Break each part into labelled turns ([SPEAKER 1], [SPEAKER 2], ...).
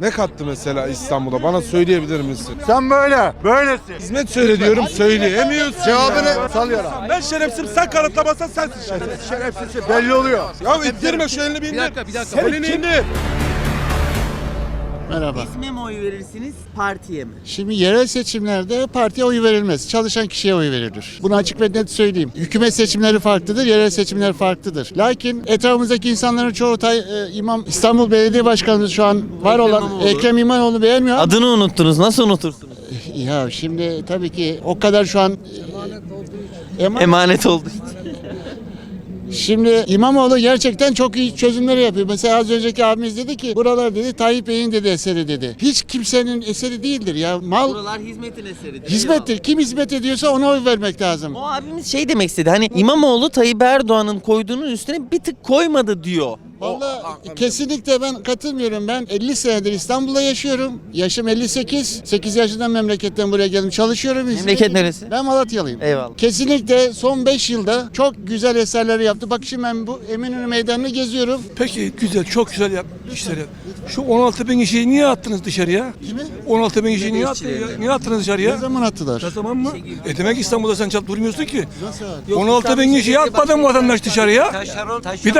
[SPEAKER 1] ne kattı mesela İstanbul'a? Bana söyleyebilir misin?
[SPEAKER 2] Sen böylesin.
[SPEAKER 1] Hizmet söyle diyorum, söyleyemiyorsun.
[SPEAKER 2] Cevabını salıyorum.
[SPEAKER 1] Ben şerefsizim, sen kanıtlamazsan sensin şerefsiz.
[SPEAKER 2] Şerefsiz belli oluyor.
[SPEAKER 1] Ya ittirme şu elini bir indir.
[SPEAKER 3] Bir dakika.
[SPEAKER 1] Elini indir.
[SPEAKER 4] Merhaba.
[SPEAKER 3] İsme mi oy verirsiniz, partiye mi?
[SPEAKER 4] Şimdi yerel seçimlerde partiye oy verilmez. Çalışan kişiye oy verilir. Bunu açık ve net söyleyeyim. Hükümet seçimleri farklıdır, yerel seçimler farklıdır. Lakin etrafımızdaki insanların çoğu İstanbul Belediye Başkanımız şu an var olan
[SPEAKER 3] İmamoğlu.
[SPEAKER 4] Ekrem İmamoğlu beğenmiyor.
[SPEAKER 5] Adını unuttunuz. Nasıl unutursunuz?
[SPEAKER 4] Ya şimdi tabii ki o kadar şu an
[SPEAKER 5] Emanet oldu.
[SPEAKER 4] Şimdi İmamoğlu gerçekten çok iyi çözümleri yapıyor. Mesela az önceki abimiz dedi ki buralar dedi Tayyip Bey'in dedi eseri dedi. Hiç kimsenin eseri değildir ya.
[SPEAKER 3] Buralar hizmetin eseridir.
[SPEAKER 4] Hizmettir. Kim hizmet ediyorsa ona oy vermek lazım.
[SPEAKER 5] O abimiz şey demek istedi. Hani İmamoğlu Tayyip Erdoğan'ın koyduğunun üstüne bir tık koymadı diyor.
[SPEAKER 4] Vallahi kesinlikle ben katılmıyorum. Ben 50 senedir İstanbul'da yaşıyorum. Yaşım 58. 8 yaşından memleketten buraya geldim. Çalışıyorum.
[SPEAKER 5] Memleket neresi?
[SPEAKER 4] Ben Malatyalıyım.
[SPEAKER 5] Eyvallah.
[SPEAKER 4] Kesinlikle son 5 yılda çok güzel eserler yaptı. Bak şimdi ben bu Eminönü Meydanı'nı geziyorum.
[SPEAKER 6] Peki güzel, çok güzel işler yap. Şu 16 bin kişiyi niye attınız dışarıya?
[SPEAKER 4] Kimi?
[SPEAKER 6] 16 bin kişiyi niye attınız, niye attınız
[SPEAKER 4] Ne
[SPEAKER 6] dışarıya?
[SPEAKER 4] zaman attılar?
[SPEAKER 6] Ne zaman mı? Demek İstanbul'da sen çalıp durmuyorsun ki.
[SPEAKER 4] Nasıl?
[SPEAKER 6] 16 bin kişiyi atmadın mı vatandaş dışarıya? Bir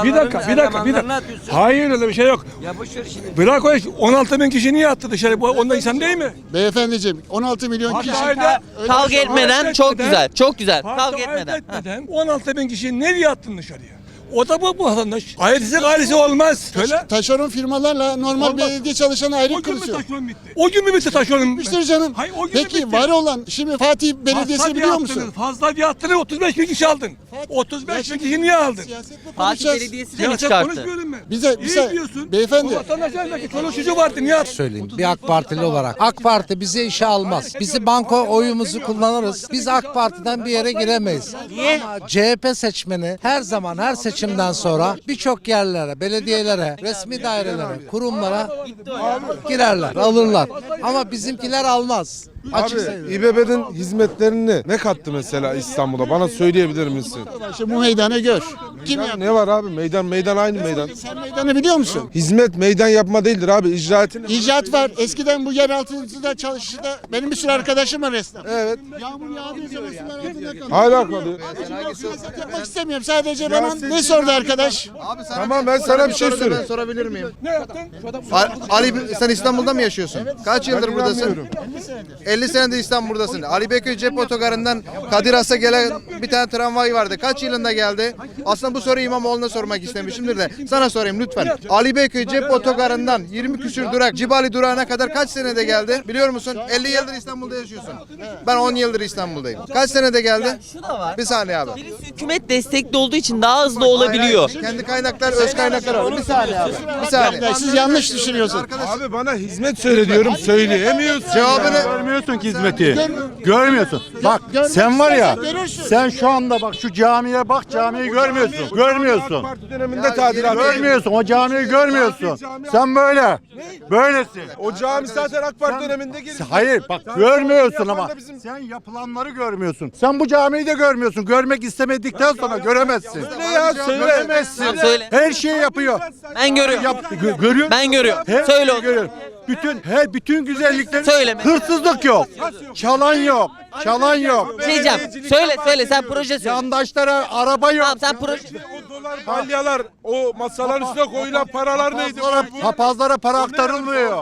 [SPEAKER 6] dakika. Hayır öyle bir şey yok.
[SPEAKER 3] Ya boş ver şimdi.
[SPEAKER 6] Bırak o iş. 16 bin kişi niye attı dışarı? Bu onda insan değil mi?
[SPEAKER 4] Beyefendiciğim 16 milyon kişi.
[SPEAKER 5] Kavga etmeden çok güzel. Çok güzel.
[SPEAKER 6] Kavga
[SPEAKER 5] Kavga etmeden.
[SPEAKER 6] 16 bin kişiyi nereye attın dışarıya? O da bu vatandaş. Ailesi olmaz. Söyle.
[SPEAKER 4] Taşeron firmalarla normal
[SPEAKER 6] Olmaz.
[SPEAKER 4] belediye çalışanı ayrı
[SPEAKER 6] O gün mü
[SPEAKER 4] kılıyor.
[SPEAKER 6] taşeron bitti? O gün mü bitti taşeron?
[SPEAKER 4] Bitmiştir canım.
[SPEAKER 6] Hayır, o gün
[SPEAKER 4] Peki
[SPEAKER 6] bitti.
[SPEAKER 4] var olan şimdi Fatih Belediyesi'ni biliyor musun?
[SPEAKER 6] Fazla bir attınız 35 bin kişi aldın. 35 bin kişi niye aldın?
[SPEAKER 4] Siyasetle
[SPEAKER 5] Fatih
[SPEAKER 4] konuşacağız.
[SPEAKER 5] Belediyesi de mi
[SPEAKER 6] Siyaset
[SPEAKER 5] çıkarttı?
[SPEAKER 6] konuşmuyorum ben.
[SPEAKER 4] Bize
[SPEAKER 6] İyi diyorsun.
[SPEAKER 4] beyefendi.
[SPEAKER 6] O vatandaşlar belki çoluk çocuğu vardı niye attın?
[SPEAKER 7] Söyleyeyim bir AK Partili olarak. AK Parti bizi işe almaz. Bizi banko oyumuzu kullanırız. Biz AK Parti'den bir yere giremeyiz.
[SPEAKER 5] Niye?
[SPEAKER 7] Ama CHP seçmeni her zaman her seçimden sonra birçok yerlere, belediyelere, resmi dairelere, kurumlara girerler, alırlar. Ama bizimkiler almaz. Açık
[SPEAKER 1] Abi
[SPEAKER 7] söyleyeyim.
[SPEAKER 1] İBB'nin hizmetlerini ne kattı mesela İstanbul'a? Bana söyleyebilir misin?
[SPEAKER 4] Şimdi bu meydanı gör. Kim
[SPEAKER 1] Ya
[SPEAKER 4] yaptı?
[SPEAKER 1] ne var abi? Meydan aynı meydan.
[SPEAKER 4] Sen meydanı biliyor musun?
[SPEAKER 1] Hizmet meydan yapma değildir abi. İcraatini.
[SPEAKER 4] İcat var. Eskiden bu yer altında çalıştı. Benim bir sürü arkadaşım var esnaf.
[SPEAKER 1] Evet.
[SPEAKER 4] Yağmur yağdığı zaman sular altında kalıyor.
[SPEAKER 1] Hala kalıyor.
[SPEAKER 4] Siyaset yapmak istemiyorum. Sadece bana ne sordu arkadaş?
[SPEAKER 1] Tamam ben sana bir şey söyleyeyim.
[SPEAKER 8] Ben sorabilir miyim?
[SPEAKER 6] Ne yaptın?
[SPEAKER 8] Ali sen İstanbul'da mı yaşıyorsun? Kaç yıldır
[SPEAKER 1] Ben
[SPEAKER 8] buradasın?
[SPEAKER 1] inanmıyorum.
[SPEAKER 8] 50 senedir İstanbul'dasın. Ali Beyköy Cep Otogarı'ndan Kadir Has'a gelen bir tane tramvay vardı. Kaç yılında geldi? Aslında bu soruyu İmamoğlu'na sormak istemişimdir de sana sorayım lütfen. Ali Beyköy Cep Otogarı'ndan 20 küsür durak Cibali durağına kadar kaç senede geldi? Biliyor musun? 50 yıldır İstanbul'da yaşıyorsun. Ben 10 yıldır İstanbul'dayım. Kaç senede geldi?
[SPEAKER 5] Şu da var.
[SPEAKER 8] Bir saniye abi.
[SPEAKER 5] Birisi hükümet destekli olduğu için daha hızlı olabiliyor.
[SPEAKER 8] Kendi kaynaklar, öz kaynaklar var. Bir saniye abi. Bir saniye.
[SPEAKER 4] Siz yanlış düşünüyorsunuz.
[SPEAKER 1] Abi bana hizmet söyle diyorum, söyleyemiyorsun.
[SPEAKER 8] Cevabını
[SPEAKER 2] Görmüyorsun ki hizmeti. Görmüyorsun. Bak sen var ya, sen şu anda bak şu camiye bak, camiyi görmüyorsun.
[SPEAKER 1] AK
[SPEAKER 2] Görmüyorsun.
[SPEAKER 1] Parti döneminde tadilat.
[SPEAKER 2] Görmüyorsun. O camiyi görmüyorsun. Sen böylesin.
[SPEAKER 1] O cami zaten AK Parti döneminde gelişti.
[SPEAKER 2] Hayır bak görmüyorsun
[SPEAKER 1] yapan
[SPEAKER 2] ama
[SPEAKER 1] da bizim-
[SPEAKER 2] sen yapılanları görmüyorsun. Sen bu camiyi de görmüyorsun. Görmek istemedikten sonra göremezsin.
[SPEAKER 1] Ne ya söyle.
[SPEAKER 2] Göremezsin.
[SPEAKER 5] Tamam, söyle.
[SPEAKER 2] Her şeyi yapıyor.
[SPEAKER 5] Ben görüyorum.
[SPEAKER 2] Görüyor.
[SPEAKER 5] Ben görüyorum.
[SPEAKER 2] Her
[SPEAKER 5] Söyle
[SPEAKER 2] şeyi
[SPEAKER 5] onu.
[SPEAKER 2] görüyor. Bütün güzellikler.
[SPEAKER 5] Söyleme.
[SPEAKER 2] Hırsızlık yok. Çalan yok. Çalan yok.
[SPEAKER 5] Şey diyeceğim. Söyle sen proje söyle.
[SPEAKER 2] Yandaşlara araba yok.
[SPEAKER 5] Tamam sen proje.
[SPEAKER 1] O dolar balyalar, o masaların üstüne koyulan paralar neydi?
[SPEAKER 2] Papazlara para aktarılmıyor.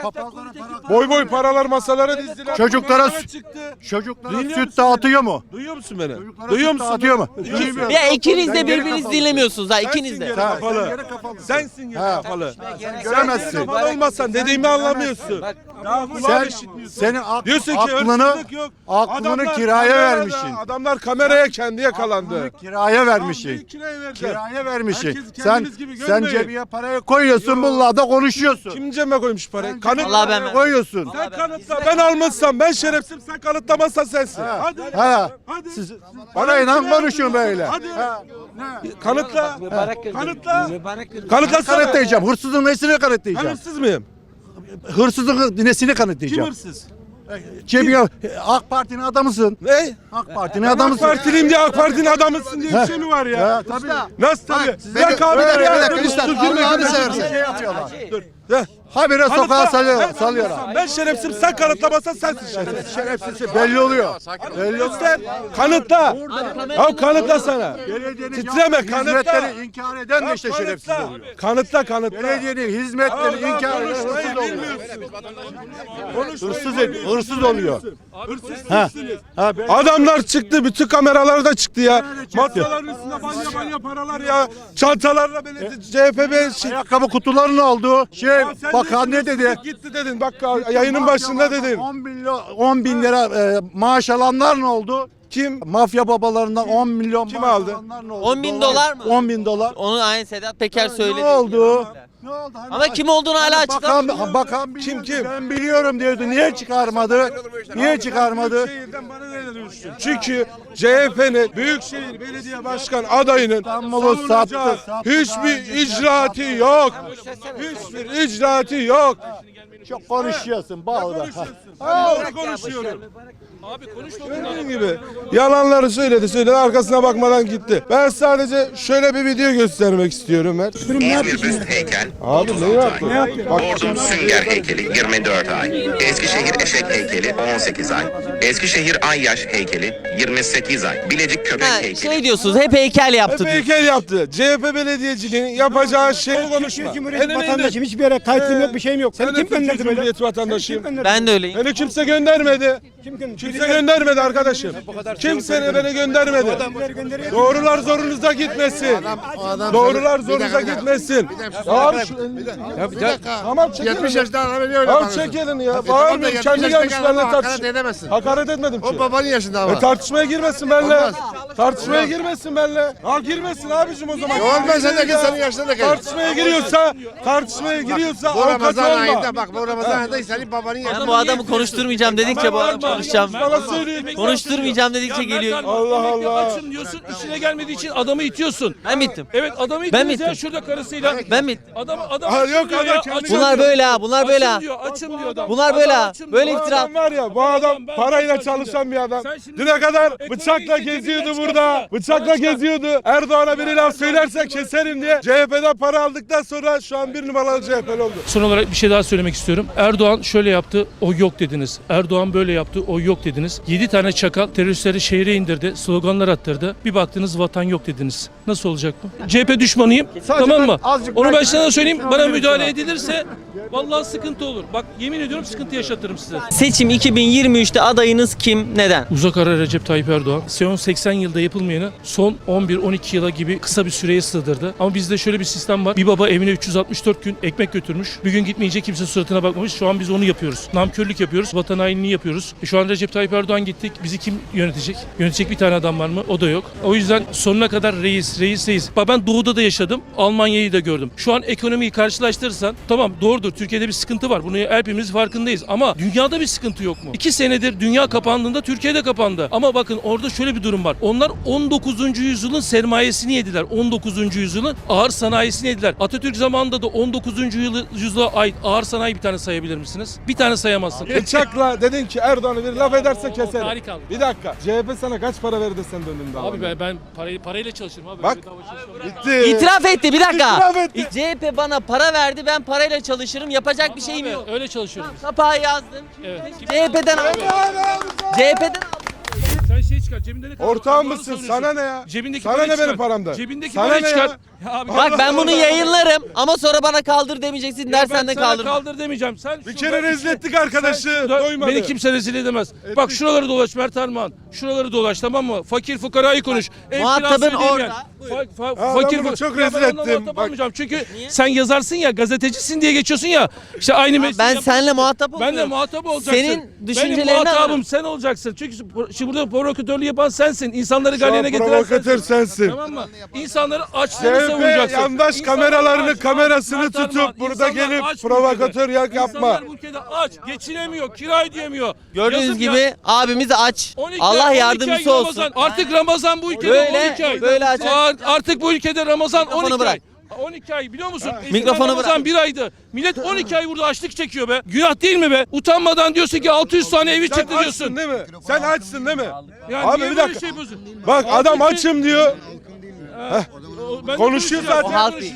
[SPEAKER 1] Boy boy paralar masalara dizdiler.
[SPEAKER 2] Çocuklara
[SPEAKER 1] Kameralar çıktı.
[SPEAKER 2] Çocuklara
[SPEAKER 1] Duyuyor
[SPEAKER 2] süt
[SPEAKER 1] musun?
[SPEAKER 2] dağıtıyor mu?
[SPEAKER 1] Duyuyor musun beni?
[SPEAKER 2] Çocuklara
[SPEAKER 1] Duyuyor
[SPEAKER 2] süt
[SPEAKER 1] musun?
[SPEAKER 2] dağıtıyor mu?
[SPEAKER 1] Duymuyorum.
[SPEAKER 5] Ya ikiniz de
[SPEAKER 2] Sen geri
[SPEAKER 5] birbirinizi
[SPEAKER 2] kafalı.
[SPEAKER 5] dinlemiyorsunuz ha
[SPEAKER 1] Sensin
[SPEAKER 5] ikiniz de.
[SPEAKER 1] geri kafalı. Sensin geri kafalı.
[SPEAKER 2] Göremezsin.
[SPEAKER 1] Kafalı olmazsan dediğimi anlamıyorsun. Daha kulağın işitmiyorsun.
[SPEAKER 2] Senin
[SPEAKER 1] Diyorsun ki
[SPEAKER 2] aklını
[SPEAKER 1] hırsızlık yok. Adamlar
[SPEAKER 2] kiraya
[SPEAKER 1] kamerada,
[SPEAKER 2] vermişsin.
[SPEAKER 1] Adamlar kameraya kendi yakalandı.
[SPEAKER 2] Kiraya vermişsin.
[SPEAKER 1] Kiraya verdi.
[SPEAKER 2] Kiraya vermişsin.
[SPEAKER 1] Herkesi
[SPEAKER 2] Sen
[SPEAKER 1] kendiniz gibi
[SPEAKER 2] sen
[SPEAKER 1] görmeyin.
[SPEAKER 2] cebine parayı koyuyorsun, bununla da konuşuyorsun.
[SPEAKER 1] Kim cebime koymuş parayı? Kanıt.
[SPEAKER 5] Allah ben-
[SPEAKER 2] Koyuyorsun.
[SPEAKER 1] Sen kanıtla. Ben almışsam, ben şerefsizim, sen kanıtlamazsan sensin. Hadi.
[SPEAKER 2] Ha.
[SPEAKER 1] Hadi.
[SPEAKER 2] Siz parayla konuşun böyle.
[SPEAKER 1] Hadi.
[SPEAKER 2] Ha.
[SPEAKER 1] Kanıtla. Kanıtla.
[SPEAKER 2] Kanıt
[SPEAKER 1] Kanıtlasana.
[SPEAKER 2] kanıtlayacağım. Hırsızın nesini
[SPEAKER 1] Ben
[SPEAKER 2] kanıtlayacağım?
[SPEAKER 1] hırsız mıyım?
[SPEAKER 2] Hırsızın nesini
[SPEAKER 1] Kim
[SPEAKER 2] kanıtlayacağım?
[SPEAKER 1] hırsız?
[SPEAKER 2] Cebine AK Parti'nin adamısın.
[SPEAKER 1] Ne?
[SPEAKER 2] AK Parti'nin
[SPEAKER 1] AK
[SPEAKER 2] adamısın.
[SPEAKER 1] Partiliyim diye AK Parti'nin adamısın diye bir şey mi var ya?
[SPEAKER 2] Tabii.
[SPEAKER 1] Nasıl tabii?
[SPEAKER 8] Bir dakika,
[SPEAKER 1] abi
[SPEAKER 8] bir
[SPEAKER 1] ya.
[SPEAKER 8] dakika,
[SPEAKER 1] Dur,
[SPEAKER 8] lütfen.
[SPEAKER 1] dur, gülme,
[SPEAKER 8] Allah'ını
[SPEAKER 1] gülme.
[SPEAKER 8] seversen.
[SPEAKER 2] Şey yapıyorlar.
[SPEAKER 1] Dur.
[SPEAKER 2] Habire sokağa salıyor.
[SPEAKER 1] Ben şerefsizim, sen kanıtlamazsan sensin şerefsiz.
[SPEAKER 2] Şerefsiz belli oluyor. Belli oluyor.
[SPEAKER 1] Göster, kanıtla. Ya kanıtla sana.
[SPEAKER 2] Belediyenin
[SPEAKER 1] Titreme,
[SPEAKER 2] yaptığı
[SPEAKER 1] kanıtla.
[SPEAKER 2] hizmetleri inkar eden de işte şerefsiz oluyor.
[SPEAKER 1] Kanıtla.
[SPEAKER 2] Belediyenin hizmetleri inkar eden hırsız oluyor. Hırsız oluyor.
[SPEAKER 1] Adamlar çıktı, bütün kameralar da çıktı ya. Masaların üstünde balya paralar ya. Çantalarla belediye CHP
[SPEAKER 2] Ayakkabı kutuları ne oldu? Bakan ne dedi?
[SPEAKER 1] Gitti dedin. Bak yayının başında dedin.
[SPEAKER 2] 10 bin lira maaş alanlar ne oldu?
[SPEAKER 1] Kim?
[SPEAKER 2] Mafya babalarından 10 milyon
[SPEAKER 1] Kim
[SPEAKER 2] maaş
[SPEAKER 1] aldı?
[SPEAKER 2] alanlar ne oldu?
[SPEAKER 5] 10 bin dolar mı?
[SPEAKER 2] 10 bin dolar.
[SPEAKER 5] Onu aynı Sedat Peker söyledi.
[SPEAKER 2] Ne oldu? Ne oldu? Hani
[SPEAKER 5] Ama kim olduğunu hala açıklamıyor.
[SPEAKER 2] Bakan kim? Ben biliyorum diyordu. Niye çıkarmadı? Niye çıkarmadı?
[SPEAKER 1] Şehirden bana ne düştün? Çünkü CHP'nin Büyükşehir Belediye Başkan adayının
[SPEAKER 2] İstanbul'u
[SPEAKER 1] savunacağı
[SPEAKER 2] sattı.
[SPEAKER 1] hiçbir icraatı yok. Hiçbir icraatı yok.
[SPEAKER 2] Çok konuşuyorsun. Bağlı.
[SPEAKER 1] Ne konuşuyorum? Dediğim gibi yalanları söyledi arkasına bakmadan gitti. Ben sadece şöyle bir video göstermek istiyorum ben.
[SPEAKER 9] Bir büst heykel,
[SPEAKER 1] Abi ne yaptın?
[SPEAKER 9] Ordu Sünger heykeli 24 ay, Eskişehir Eşek heykeli 18 ay, Eskişehir Ayyaş heykeli 28 ay, Bilecik Köpek
[SPEAKER 5] Ha,
[SPEAKER 9] heykeli.
[SPEAKER 5] şey diyorsunuz hep heykel yaptı
[SPEAKER 1] Hep
[SPEAKER 5] diyor.
[SPEAKER 1] heykel yaptı. CHP belediyeciliğinin yapacağı şey konuşma.
[SPEAKER 10] Cumhuriyet vatandaşıyım. Hiçbir yere kayıtlığım yok, bir şeyim yok. Seni
[SPEAKER 1] Ben
[SPEAKER 10] kim
[SPEAKER 1] de Türkiye
[SPEAKER 10] gönderdi böyle?
[SPEAKER 1] Cumhuriyeti vatandaşıyım.
[SPEAKER 5] Ben de öyleyim.
[SPEAKER 1] Beni kimse göndermedi. Kimse göndermedi arkadaşım. Kimse beni göndermedi. Doğrular zorunuza gitmesin. Doğrular zorunuza gitmesin. Abi
[SPEAKER 8] Bir dakika.
[SPEAKER 1] tamam çekelim.
[SPEAKER 8] 70 yaşında adam öyle öyle
[SPEAKER 1] Abi
[SPEAKER 8] bağırıyorsun.
[SPEAKER 1] çekelim ya.
[SPEAKER 8] Tamam da
[SPEAKER 1] Bağırmıyorum.
[SPEAKER 8] 70
[SPEAKER 1] Kendi
[SPEAKER 8] yaşındaki
[SPEAKER 1] gelmiş
[SPEAKER 8] adama
[SPEAKER 1] benimle
[SPEAKER 8] hakaret
[SPEAKER 1] tartış.
[SPEAKER 8] edemezsin.
[SPEAKER 1] Hakaret etmedim ki.
[SPEAKER 8] O babanın yaşında ama.
[SPEAKER 1] Tartışmaya girmesin benimle. Tartışmaya girmesin benimle. Ha girmesin abicim o zaman.
[SPEAKER 8] Yok ben sen de git senin yaşında da gel.
[SPEAKER 1] Tartışmaya giriyorsa
[SPEAKER 8] Bu
[SPEAKER 1] avukat
[SPEAKER 8] Ramazan
[SPEAKER 1] olma.
[SPEAKER 8] ayında bak bu Ramazan ayında senin babanın
[SPEAKER 5] Ben
[SPEAKER 8] yaşında.
[SPEAKER 5] bu adamı konuşturmayacağım dedikçe bu adam konuşacağım.
[SPEAKER 1] Bana söyleyin.
[SPEAKER 5] Konuşturmayacağım dedikçe geliyor.
[SPEAKER 1] Allah Allah.
[SPEAKER 6] Açım diyorsun, işine gelmediği için adamı itiyorsun.
[SPEAKER 5] Ben bittim.
[SPEAKER 6] Evet adamı
[SPEAKER 5] Ben
[SPEAKER 6] itiyoruz ya
[SPEAKER 5] bittim.
[SPEAKER 6] şurada karısıyla.
[SPEAKER 5] Ben bittim.
[SPEAKER 6] Adam
[SPEAKER 1] Ha,
[SPEAKER 6] açım
[SPEAKER 1] yok,
[SPEAKER 6] diyor
[SPEAKER 1] adam
[SPEAKER 6] ya.
[SPEAKER 1] kendi
[SPEAKER 6] Açım
[SPEAKER 5] Bunlar
[SPEAKER 6] diyor.
[SPEAKER 5] böyle ha, bunlar böyle ha.
[SPEAKER 6] Açım diyor adam.
[SPEAKER 5] Bunlar böyle
[SPEAKER 6] Adam
[SPEAKER 5] ha.
[SPEAKER 6] açım
[SPEAKER 5] Böyle
[SPEAKER 6] diyor.
[SPEAKER 5] iftira.
[SPEAKER 1] Adam var ya bu adam
[SPEAKER 6] Ben
[SPEAKER 1] parayla
[SPEAKER 6] konuşacağım
[SPEAKER 1] çalışan bir adam.
[SPEAKER 6] Sen şimdi-
[SPEAKER 1] Düne kadar
[SPEAKER 6] Ekonomiyi
[SPEAKER 1] bıçakla
[SPEAKER 6] cebinden
[SPEAKER 1] geziyordu
[SPEAKER 6] çıkarsana.
[SPEAKER 1] burada. Bıçakla
[SPEAKER 6] Çıkar.
[SPEAKER 1] geziyordu. Erdoğan'a biri laf söylerse keserim diye CHP'den para aldıktan sonra şu an bir numaralı CHP'li oldu.
[SPEAKER 6] Son olarak bir şey daha söylemek istiyorum. Erdoğan şöyle yaptı, o yok dediniz. Erdoğan böyle yaptı, o yok dediniz. 7 tane çakal teröristleri şehre indirdi, sloganlar attırdı. Bir baktınız vatan yok dediniz. Nasıl olacak bu? CHP düşmanıyım, tamam mı? Onu ben sana söyleyeyim, bana müdahale edilirse vallahi sıkıntı olur. Bak yemin ediyorum sıkıntı yaşatırım size.
[SPEAKER 5] Seçim 2023'te adayınız kim? Neden?
[SPEAKER 6] Uzak ara Recep Tayyip Erdoğan. Son 80 yılda yapılmayanı son 11-12 yıla gibi kısa bir süreye sığdırdı. Ama bizde şöyle bir sistem var. Bir baba evine 364 gün ekmek götürmüş. Bir gün gitmeyince kimse suratına bakmamış. Şu an biz onu yapıyoruz. Namkörlük yapıyoruz. Vatan hainliği yapıyoruz. Şu an Recep Tayyip Erdoğan gittik. Bizi kim yönetecek? Yönetecek bir tane adam var mı? O da yok. O yüzden sonuna kadar reis. Bak ben doğuda da yaşadım. Almanya'yı da gördüm. Şu an ekonomiyi karşılaştırırsan tamam doğrudur. Türkiye'de bir sıkıntı var. Bunu hepimiz farkındayız. Ama dünyada bir sıkıntı yok mu? 2 senedir dünya kapandığında Türkiye'de kapandı. Ama bakın orada şöyle bir durum var. Onlar 19. yüzyılın sermayesini yediler. 19. yüzyılın ağır sanayisini yediler. Atatürk zamanında da 19. yüzyıla ait ağır sanayi bir tane sayabilir misiniz? Bir tane sayamazsın.
[SPEAKER 1] Bıçakla dedin ki Erdoğan'ı bir laf ederse keserim.
[SPEAKER 6] Harika.
[SPEAKER 1] Bir dakika. CHP sana kaç para verdi sen döndün daha?
[SPEAKER 6] Abi ben parayla çalışırım abi.
[SPEAKER 1] Bak.
[SPEAKER 6] Bedava çalışmam.
[SPEAKER 1] Gitti.
[SPEAKER 5] İtiraf etti bir dakika.
[SPEAKER 1] İtiraf etti.
[SPEAKER 5] CHP bana para verdi, ben parayla çalışırım, yapacak bir şeyim
[SPEAKER 6] Abi,
[SPEAKER 5] yok.
[SPEAKER 6] öyle çalışıyorum.
[SPEAKER 5] Kapağı yazdım.
[SPEAKER 6] Evet.
[SPEAKER 5] CHP'den aldım. CHP'den aldım.
[SPEAKER 6] Sen şey çıkar cebinde ne kadar?
[SPEAKER 1] Ortağım
[SPEAKER 6] Doğru
[SPEAKER 1] mısın?
[SPEAKER 6] söylüyorsun.
[SPEAKER 1] Sana ne ya?
[SPEAKER 6] Cebindeki
[SPEAKER 1] Sana
[SPEAKER 6] parayı
[SPEAKER 1] ne benim
[SPEAKER 6] çıkar.
[SPEAKER 1] paramda?
[SPEAKER 6] Cebindeki
[SPEAKER 1] Sana
[SPEAKER 6] parayı
[SPEAKER 1] ne
[SPEAKER 6] çıkar.
[SPEAKER 1] ya?
[SPEAKER 6] Ya abi,
[SPEAKER 5] Bak ben bunu yayınlarım ama sonra bana kaldır demeyeceksin, dersen de
[SPEAKER 6] ben sana
[SPEAKER 5] kaldırma.
[SPEAKER 6] kaldır demeyeceğim. Sen
[SPEAKER 1] Bir kere rezil ettik arkadaşı. Doymadı.
[SPEAKER 6] Beni kimse rezil edemez. Bak şuraları dolaş Mert Armağan. Şuraları dolaş tamam mı? Fakir fukarayı konuş. Ev
[SPEAKER 5] Muhatabın
[SPEAKER 6] kirası ödeyemeyen.
[SPEAKER 5] orada.
[SPEAKER 1] ben bunu çok rezil
[SPEAKER 6] Ya ben onunla
[SPEAKER 1] ettim.
[SPEAKER 6] muhatap
[SPEAKER 1] Bak.
[SPEAKER 6] olmayacağım. Çünkü sen yazarsın ya gazetecisin diye geçiyorsun ya. İşte aynı mesleği
[SPEAKER 5] Ben
[SPEAKER 6] yaparsın.
[SPEAKER 5] seninle muhatap olmuyorum.
[SPEAKER 6] Ben de muhatap olacaksın.
[SPEAKER 5] Senin düşüncelerini
[SPEAKER 6] Benim muhatabım
[SPEAKER 5] alırım.
[SPEAKER 6] sen olacaksın. Çünkü şimdi burada provokatörlüğü yapan sensin. İnsanları
[SPEAKER 1] Şu an
[SPEAKER 6] galeyana getiren
[SPEAKER 1] provokatör sensin.
[SPEAKER 6] Tamam mı? İnsanları açlığını
[SPEAKER 1] CHP
[SPEAKER 6] savunacaksın.
[SPEAKER 1] yandaş
[SPEAKER 6] İnsanlar
[SPEAKER 1] kameralarını
[SPEAKER 6] aç,
[SPEAKER 1] kamerasını
[SPEAKER 6] Mert Armağan,
[SPEAKER 1] tutup burada
[SPEAKER 6] insanlar
[SPEAKER 1] gelip
[SPEAKER 6] aç bu
[SPEAKER 1] provokatör
[SPEAKER 6] ülkede.
[SPEAKER 1] yak yapma.
[SPEAKER 6] İnsanlar bu ülkede aç, geçinemiyor, kira ödeyemiyor.
[SPEAKER 5] Gördüğünüz
[SPEAKER 6] Yazık
[SPEAKER 5] gibi
[SPEAKER 6] ya.
[SPEAKER 5] abimiz aç.
[SPEAKER 6] 12
[SPEAKER 5] Allah
[SPEAKER 6] ay
[SPEAKER 5] yardımcısı
[SPEAKER 6] Ramazan.
[SPEAKER 5] olsun.
[SPEAKER 6] Artık Ramazan bu ülkede
[SPEAKER 5] Böyle-
[SPEAKER 6] 12 ay.
[SPEAKER 5] böyle aç.
[SPEAKER 6] Artık bu ülkede Ramazan
[SPEAKER 5] Mikrofonu
[SPEAKER 6] 12
[SPEAKER 5] bırak.
[SPEAKER 6] ay. 12 ay biliyor musun? Eskiden
[SPEAKER 5] Mikrofonu
[SPEAKER 6] Ramazan
[SPEAKER 5] bırak.
[SPEAKER 6] bir aydı. Millet 12 ay burada açlık çekiyor be. Günah değil mi be? Utanmadan diyorsun ki 600 tane evi
[SPEAKER 1] Sen
[SPEAKER 6] çıktı
[SPEAKER 1] açsın
[SPEAKER 6] diyorsun.
[SPEAKER 1] değil mi? Sen açsın değil mi?
[SPEAKER 6] Ya
[SPEAKER 1] Abi
[SPEAKER 6] niye
[SPEAKER 1] bir
[SPEAKER 6] böyle
[SPEAKER 1] dakika.
[SPEAKER 6] şey yapıyorsun?
[SPEAKER 1] Bak adam açım diyor.
[SPEAKER 6] Ben de
[SPEAKER 1] Konuşuyor
[SPEAKER 6] konuşacağız,
[SPEAKER 1] zaten.
[SPEAKER 5] O halk
[SPEAKER 6] konuşacağız.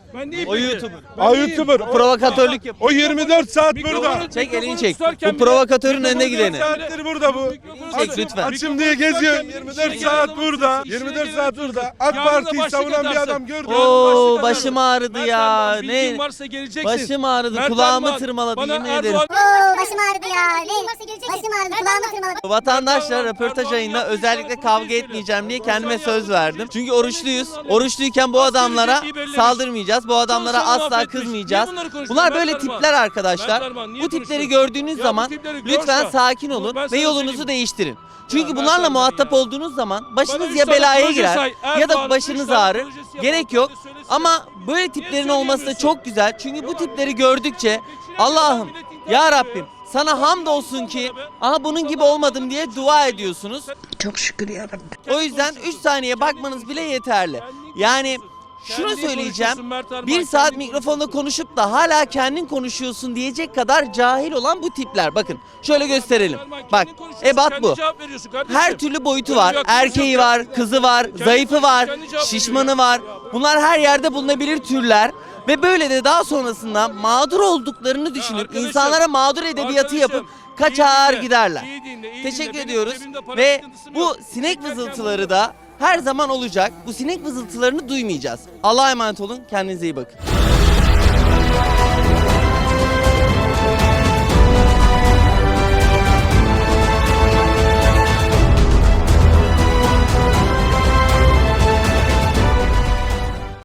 [SPEAKER 6] Ben neyim
[SPEAKER 5] O
[SPEAKER 6] peki?
[SPEAKER 5] YouTuber.
[SPEAKER 1] O YouTuber.
[SPEAKER 5] Provokatörlük yapıyor.
[SPEAKER 1] O 24 saat burada.
[SPEAKER 5] Çek elini çek. Bu provokatörün önüne gideni.
[SPEAKER 1] 24 saattir burada bu.
[SPEAKER 5] Çek lütfen.
[SPEAKER 1] Açım diye geziyor. 24 saat burada. 24 saat burada. AK Parti'yi savunan bir adam gördüm.
[SPEAKER 5] Oo başım ağrıdı ya.
[SPEAKER 6] Ne?
[SPEAKER 5] Ne?
[SPEAKER 6] Varsa geleceksin.
[SPEAKER 5] Başım ağrıdı.
[SPEAKER 6] Mert
[SPEAKER 5] Kulağımı
[SPEAKER 6] Arman,
[SPEAKER 5] tırmaladı
[SPEAKER 6] bana
[SPEAKER 5] yemin
[SPEAKER 6] Erdoğan-
[SPEAKER 5] ederim.
[SPEAKER 11] Başım ağrıdı ya. Başım ağrıdı. Kulağımı tırmaladı.
[SPEAKER 5] Vatandaşlar röportaj ayında özellikle kavga etmeyeceğim diye kendime söz verdim. Çünkü oruçluyuz. Oruçluyken bu adamlara saldırmayacağız. Bu adamlara asla kızmayacağız. Bunlar böyle tipler arkadaşlar. Bu tipleri gördüğünüz zaman lütfen sakin olun ve yolunuzu değiştirin. Çünkü bunlarla muhatap olduğunuz zaman başınız ya belaya girer ya da başınız ağrır. Gerek yok. Ama böyle tiplerin olması da çok güzel. Çünkü bu tipleri gördükçe Allah'ım ya Rabbim sana hamdolsun ki aha bunun gibi olmadım diye dua ediyorsunuz.
[SPEAKER 11] Çok şükür ya Rabbi.
[SPEAKER 5] O yüzden 3 saniye bakmanız bile yeterli. Yani şunu söyleyeceğim. Bir saat mikrofonda konuşup da hala kendin konuşuyorsun diyecek kadar cahil olan bu tipler. Bakın şöyle gösterelim. Bak ebat bu. Her türlü boyutu var. Erkeği var, kızı var, zayıfı var, şişmanı var. Bunlar her yerde bulunabilir türler. Ve böyle de daha sonrasında mağdur olduklarını düşünüp insanlara mağdur edebiyatı yapıp kaçar giderler. Teşekkür ediyoruz ve bu sinek vızıltıları da her zaman olacak. Bu sinek vızıltılarını duymayacağız. Allah'a emanet olun. Kendinize iyi bakın.